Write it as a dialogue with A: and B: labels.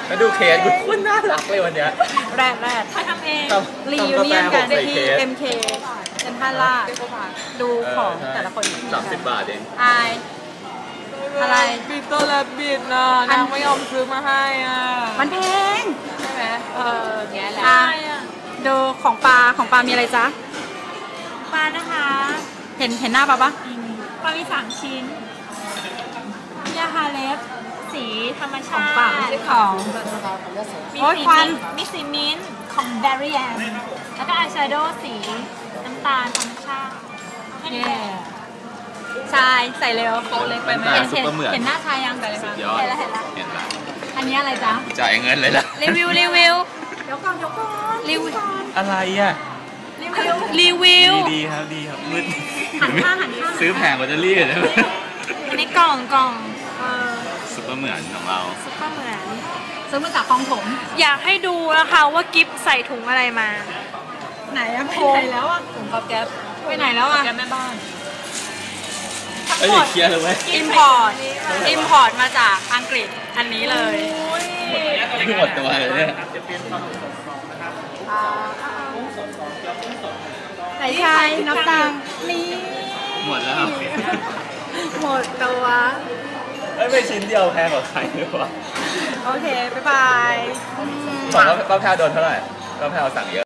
A: แล้วดูเคสดูคนน่ารักเลยวันเนี้ย
B: แรด
C: เขาทำเอง
B: รีวิวเนียนกันที่ MK เซ็นทรัลลาดดูของแต่ละคน
A: 30 บาทเอง
B: อายอะไร
C: ปีเตอร์แลบบิดนะนางไม่ยอมซื้อมาให้อ่ะ
B: มันแพง
C: ใช่ไหมแง่แหละ
B: ดูของปลามีอะไรจ๊ะ
C: ปลานะคะ
B: เห็นหน้าปลา
C: ปลามี3 ชิ้นยาฮาเล็บสีธรรมชาติ
B: ไม่ใช่ของ
C: มีสีมิ้นท์ของแบริแอนแล้วก็อายแชโดว์สีน้ำตาลธรรมชาติ
B: ชายใส่เร็วโคเล็กไปไหมเห็นหน้าชายยังไปเลยค่ะ
A: เห็นแล้ว
B: อันนี้อะไรจ๊ะ
A: จ่ายเงินเลยล่ะ
B: รีวิวเดี๋ยวก่อนรีวิว
A: อะไรอ่ะ
B: รีวิว
A: ดีครับมืด
B: หันข้าง
A: ซื้อแผงแบตเตอรี่เลย
C: อันนี้กล่อง
A: ซุปเปอร์เหมือนของเรา
C: ซุปเปอร์เหมือน
B: ซื้อมาจากคลองถม
C: อยากให้ดูนะคะว่ากิฟใส่ถุงอะไรมา
B: ไหนอะไปไหนแล้วอะถุงกับแก๊ปไปไหนแล้วอะ
C: แก๊ปแม่บ้าน
A: อย่าเคลียร์เลยเว้ย
B: อิมพอร์ตมาจากอังกฤษอันนี้เลย
A: หมดตัวเลยเนี่ย
B: ใส่ชายน้ำตาลนี่
A: หมดแล้ว
B: หมดตัว
A: ไม่ชิ้นเดียวแพงกว่าใครหรือเปล่า
B: โอเคบ๊ายบาย
A: บอกว่าป้าแพรโดนเท่าไหร่ป้าแพรสั่งเยอะ